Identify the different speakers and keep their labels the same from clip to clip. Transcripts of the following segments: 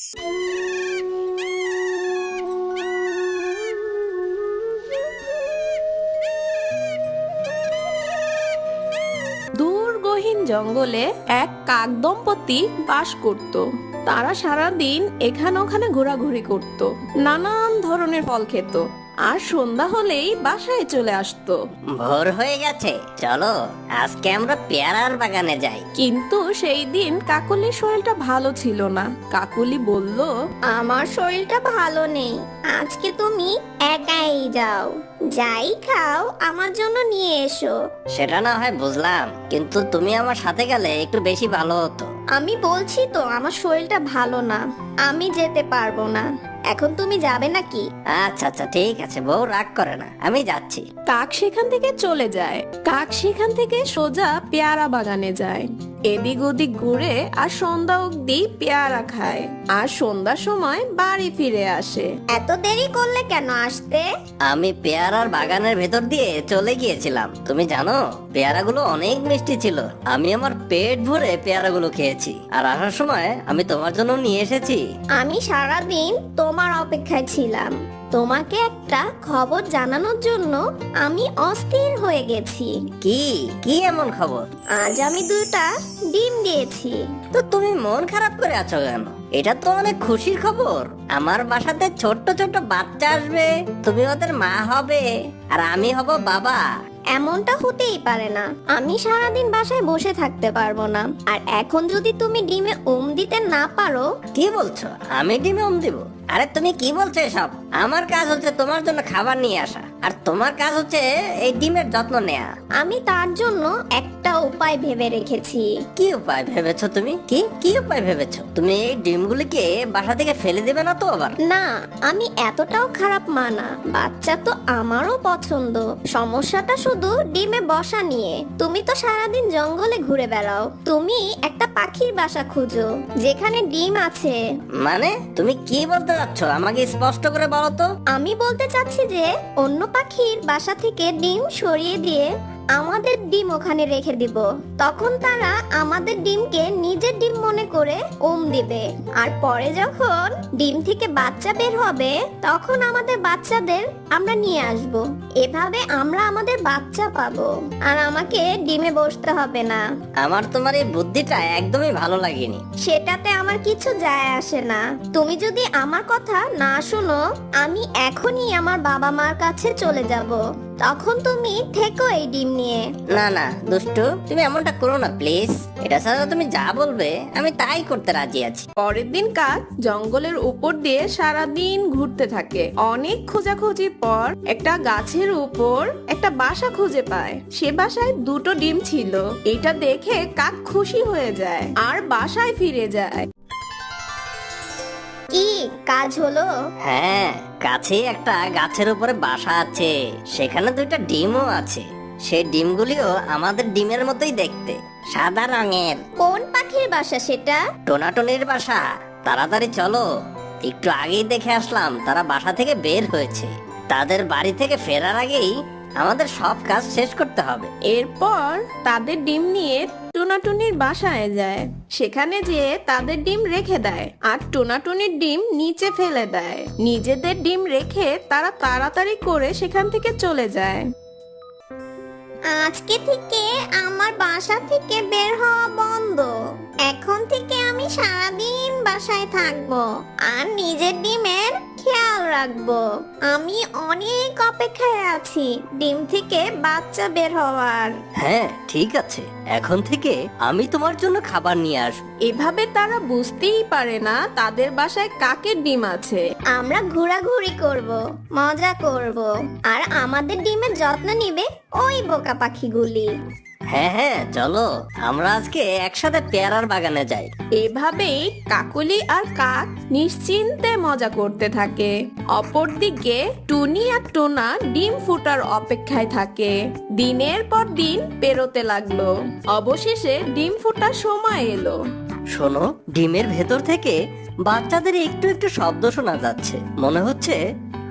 Speaker 1: দূর গহীন জঙ্গলে এক কাক দম্পতি বাস করত। তারা সারাদিন এখানে ওখানে ঘোরাঘুরি করত, নানান ধরনের ফল খেত, আর সন্ধ্যা হলেই বাসায় চলে আসতো।
Speaker 2: ভোর হয়ে গেছে, চলো আজকে আমরা পেয়ারার বাগানে যাই।
Speaker 1: কিন্তু সেই দিন কাকুলির শরীরটা ভালো ছিল না। কাকুলি বলল,
Speaker 3: আমার শরীরটা ভালো নেই, আজকে তুমি একাই যাও, যাই খাও আমার জন্য নিয়ে এসো।
Speaker 2: সেটা না হয় বুঝলাম, কিন্তু তুমি আমার সাথে গেলে একটু বেশি ভালো হতো।
Speaker 3: আমি বলছি তো আমার শরীরটা ভালো না, আমি যেতে পারবো না। এখন তুমি যাবে নাকি?
Speaker 2: আচ্ছা আচ্ছা ঠিক আছে, বউ রাগ করে না, আমি যাচ্ছি।
Speaker 1: কাক সেখান থেকে চলে যায়। কাক সেখান থেকে সোজা পেয়ারা বাগানে যায়। এদিক ওদিক ঘুরে আর সন্ধ্যা অব্দি পেয়ারা খায়, আর সন্ধ্যার সময় বাড়ি ফিরে আসে।
Speaker 3: এত দেরি করলে কেন আসতে?
Speaker 2: আমি পেয়ারার বাগানের ভেতর দিয়ে চলে গিয়েছিলাম। তুমি জানো পেয়ারাগুলো অনেক মিষ্টি ছিল। আমি আমার পেট ভরে পেয়ারাগুলো খেয়েছি, আর আসার সময় আমি তোমার জন্য নিয়ে এসেছি।
Speaker 3: আমি সারাদিন তোমার অপেক্ষায় ছিলাম। তোমাকে একটা খবর জানানোর জন্য আমি অস্থির হয়ে গেছি।
Speaker 2: কি কি এমন খবর?
Speaker 3: আজ আমি 2টা ডিম দিয়েছি।
Speaker 2: তো তুমি মন খারাপ করে আছো কেন? এটা তো অনেক খুশির খবর। আমার বাসাতে ছোট্ট ছোট্ট বাচ্চা আসবে, তুমি ওদের মা হবে, আর আমি হব বাবা।
Speaker 3: এমনটা হতেই পারে না। আমি সারাদিন বাসায় বসে থাকতে পারবো না। আর এখন যদি তুমি ডিমে দিতে না পারো।
Speaker 2: কি বলছো? আমি ডিমে দিব? আরে তুমি কি বলছো এসব? আমার কাজ হচ্ছে তোমার জন্য খাবার নিয়ে আসা, আর তোমার কাজ হচ্ছে এই ডিমের যত্ন নেয়া।
Speaker 3: আমি তার জন্য একটা উপায় ভেবে রেখেছি।
Speaker 2: কি উপায় ভেবেছো তুমি? কি কি উপায় ভেবেছো? তুমি এই ডিমগুলিকে বাসা থেকে ফেলে দেবে না তো আবার?
Speaker 3: না, আমি এতটাও খারাপ মানা। বাচ্চা তো আমারও পছন্দ। সমস্যাটা শুধু ডিমে বসা নিয়ে। তুমি তো সারাদিন জঙ্গলে ঘুরে বেড়াও। তুমি একটা পাখির বাসা খুঁজো যেখানে ডিম আছে।
Speaker 2: মানে তুমি কি বলতে চাচ্ছ? আমাকে স্পষ্ট করে বলো তো।
Speaker 3: আমি বলতে চাচ্ছি যে অন্য পাখির বাসা থেকে ডিম সরিয়ে দিয়ে আমাদের ডিম ওখানে রেখে দিব। তখন তারা আমাদের ডিমকে নিজের ডিম মনে করে দিবে। আর পরে যখন ডিম থেকে বাচ্চা বের হবে, তখন আমাদের বাচ্চাদের আমরা নিয়ে আসব। এভাবে আমরা আমাদের বাচ্চা পাবো, আর আমাকে ডিমে বসতে হবে না।
Speaker 2: আমার তোমার এই বুদ্ধিটা একদমই ভালো লাগেনি।
Speaker 3: সেটাতে আমার কিছু যায় আসে না। তুমি যদি আমার কথা না শোনো, আমি এখনই আমার বাবা মার কাছে চলে যাব। তখন তুমি থেকো এই ডিম নিয়ে।
Speaker 2: না না দুষ্টু, তুমি এমনটা করো না প্লিজ। এটা ছাড়া তুমি যা বলবে আমি তাই করতে রাজি আছি।
Speaker 1: পরের দিন কাক জঙ্গলের উপর দিয়ে সারাদিন ঘুরতে থাকে। অনেক খোঁজাখুঁজির পর একটা গাছের উপর একটা বাসা খুঁজে পায়। সে বাসায় 2টো ডিম ছিল। এটা দেখে কাক খুশি হয়ে যায় আর বাসায় ফিরে যায়।
Speaker 3: কি কাজ হলো?
Speaker 2: হ্যাঁ, কাছেই একটা গাছের উপরে বাসা আছে, সেখানে 2টা ডিমও আছে। সেই ডিমগুলিও আমাদের ডিমের মতোই দেখতে, সাদা রঙের।
Speaker 3: কোন পাখির বাসা সেটা?
Speaker 2: টোনাটনির বাসা। তাড়াতাড়ি চলো, একটু আগেই দেখে আসলাম তারা বাসা থেকে বের হয়েছে। তাদের বাড়ি থেকে ফেরার আগেই আমাদের সব কাজ শেষ করতে হবে।
Speaker 1: এরপর তাদের ডিম নিয়ে টোনাটুনির বাসায় যায়। সেখানে যেয়ে তাদের ডিম রেখে দেয়, আর টোনাটুনির ডিম নিচে ফেলে দেয়। নিজেদের ডিম রেখে তারা তাড়াতাড়ি করে সেখান থেকে চলে যায়।
Speaker 3: আজকে থেকে আমার বাসা থেকে বের হওয়া বন্ধ। এখন থেকে আমি সারাদিন বাসায় থাকবো আর নিজের ডিমের খেয়াল রাখবো। আমি অনেক অপেক্ষায় আছি ডিম থেকে বাচ্চা বের হওয়ার।
Speaker 2: হ্যাঁ ঠিক আছে, এখন থেকে আমি তোমার জন্য খাবার নিয়ে আসবো।
Speaker 1: এভাবে তারা বুঝতেই পারে না তাদের বাসায় কাকের ডিম আছে।
Speaker 3: আমরা ঘোরাঘুরি করব, মজা করব, আর আমাদের ডিমের যত্ন নিবে ওই বোকা পাখিগুলি।
Speaker 2: হ্যাঁ হ্যাঁ চলো, আমরা আজকে একসাথে পেয়ারার বাগানে যাই।
Speaker 1: এভাবেই কাকলি আর কাক নিশ্চিন্তে মজা করতে থাকে। অপরদিকে টুনি আর টোনা ডিম ফুটার অপেক্ষায় থাকে। দিনের পর দিন পেরোতে লাগলো। অবশেষে ডিম ফুটার সময় এলো।
Speaker 2: শোনো, ডিমের ভেতর থেকে বাচ্চাদের একটু একটু শব্দ শোনা যাচ্ছে। মনে হচ্ছে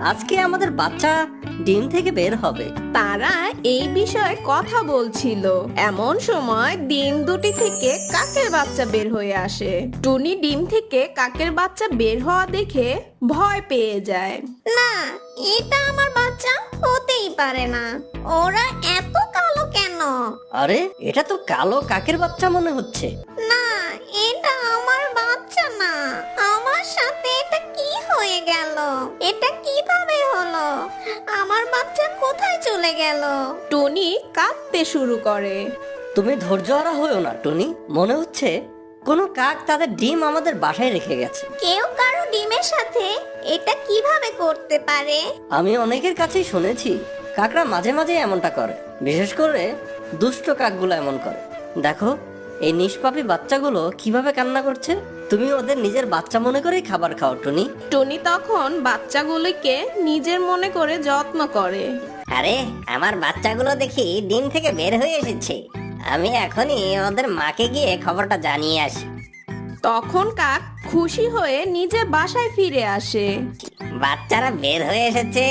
Speaker 2: আজকে আমাদের বাচ্চা ডিম থেকে বের হবে।
Speaker 1: তারা এই বিষয়ে কথা বলছিল, এমন সময় ডিম দুটি থেকে কাকের বাচ্চা বের হয়ে আসে। টুনি ডিম থেকে কাকের বাচ্চা বের হওয়া দেখে ভয় পেয়ে যায়।
Speaker 3: না, এটা আমার বাচ্চা হতেই পারে না। ওরা এত কালো কেন?
Speaker 2: আরে এটা তো কালো কাকের বাচ্চা মনে হচ্ছে।
Speaker 3: না, এটা আমার বাচ্চা না। আমার সাথে এটা কি হয়ে গেল? এটা কিভাবে হলো? আমার বাচ্চা কোথায় চলে গেল?
Speaker 1: টুনি কাঁদতে শুরু করে।
Speaker 2: তুমি ধৈর্যহারা হয়েও না টুনি, মনে হচ্ছে কোনো কাক তাদের ডিম আমাদের বাসায় রেখে গেছে।
Speaker 3: কেউ কারো ডিমের সাথে এটা কিভাবে করতে পারে?
Speaker 2: আমি অনেকের কাছেই শুনেছি কাকরা মাঝে মাঝে এমনটা করে, বিশেষ করে দুষ্ট কাকগুলো এমন করে। দেখো এই নিষ্পাপী বাচ্চাগুলো কিভাবে কান্না করছে। তুমি ওদের নিজের বাচ্চা মনে করেই খাবার খাও টুনি।
Speaker 1: টুনি তখন বাচ্চাগুলিকে নিজের মনে করে যত্ন করে।
Speaker 2: আরে আমার বাচ্চাগুলো দেখি ডিম থেকে বের হয়ে এসেছে, আমি এখনই ওদের মাকে গিয়ে খবরটা জানিয়ে আসি।
Speaker 1: তখন কাক খুশি হয়ে নিজের বাসায় ফিরে আসে।
Speaker 2: বাচ্চারা বের হয়ে এসেছে,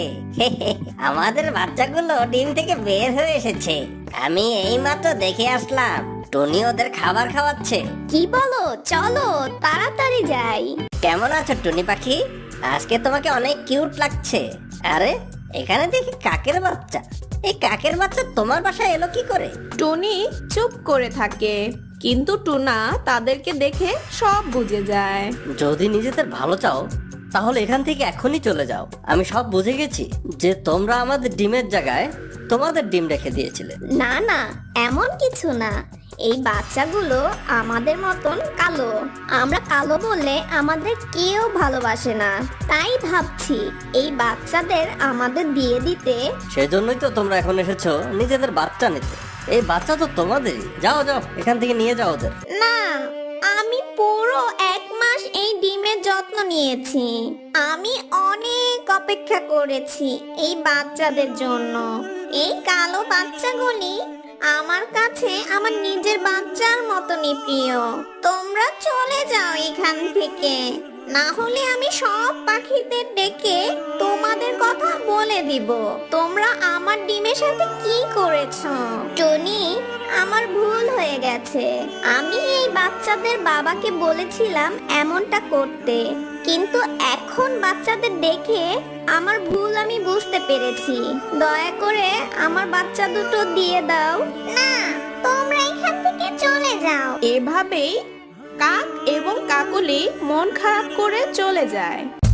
Speaker 2: আমাদের বাচ্চাগুলো ডিম থেকে বের হয়ে এসেছে। আমি এইমাত্র দেখে আসলাম টনি ওদের খাবার খাওয়াচ্ছে।
Speaker 3: কি বলো? চলো তাড়াতাড়ি যাই।
Speaker 2: কেমন আছো টুনি পাখি? আজকে তোমাকে অনেক কিউট লাগছে। আরে এখানে দেখি কাকের বাচ্চা। এই কাকের বাচ্চা তোমার বাসায় এলো কি করে?
Speaker 1: টুনি চুপ করে থাকে, কিন্তু টুনা তাদেরকে দেখে সব বুঝে যায়।
Speaker 2: যদি নিজেদের ভালো চাও তাহলে এখান থেকে এখনই চলে যাও। আমি সব বুঝে গেছি যে তোমরা আমাদের ডিমের জায়গায় তোমাদের ডিম রেখে দিয়েছিলে।
Speaker 3: না না, এমন কিছু না। এই বাচ্চাগুলো আমাদের মতন কালো। আমরা কালো বললে আমাদের কেউ ভালোবাসে না, তাই ভাবছি এই বাচ্চাদের আমাদের দিয়ে দিতে।
Speaker 2: সেজন্যই তো তোমরা এখন এসেছো নিজেদের বাচ্চা নিতে। এই বাচ্চা তো তোমাদেরই। যাও যাও, এখান থেকে নিয়ে যাও ওদের।
Speaker 3: না, আমি পুরো 1 মাস এই ডিমের যত্ন নিয়েছি। আমি অনেক অপেক্ষা করেছি এই বাচ্চাদের জন্য। এই কালো বাচ্চাগুলি আমার কাছে আমার নিজের বাচ্চার মতনই প্রিয়। তোমরা চলে যাও এখান থেকে, না হলে আমি সব পাখিদের ডেকে তোমাদের কথা বলে দিব তোমরা আমার ডিমের সাথে কি করেছো। টনি, আমার ভুল হয়ে গেছে। আমি এই বাচ্চাদের বাবাকে বলেছিলাম এমনটা করতে, কিন্তু এখন বাচ্চাদের দেখে আমার ভুল আমি বুঝতে পেরেছি। দয়া করে আমার বাচ্চা দুটো দিয়ে দাও। না, তোমরা এখান থেকে চলে যাও।
Speaker 1: এভাবেই কাক এবং কাকলি মন খারাপ করে চলে যায়।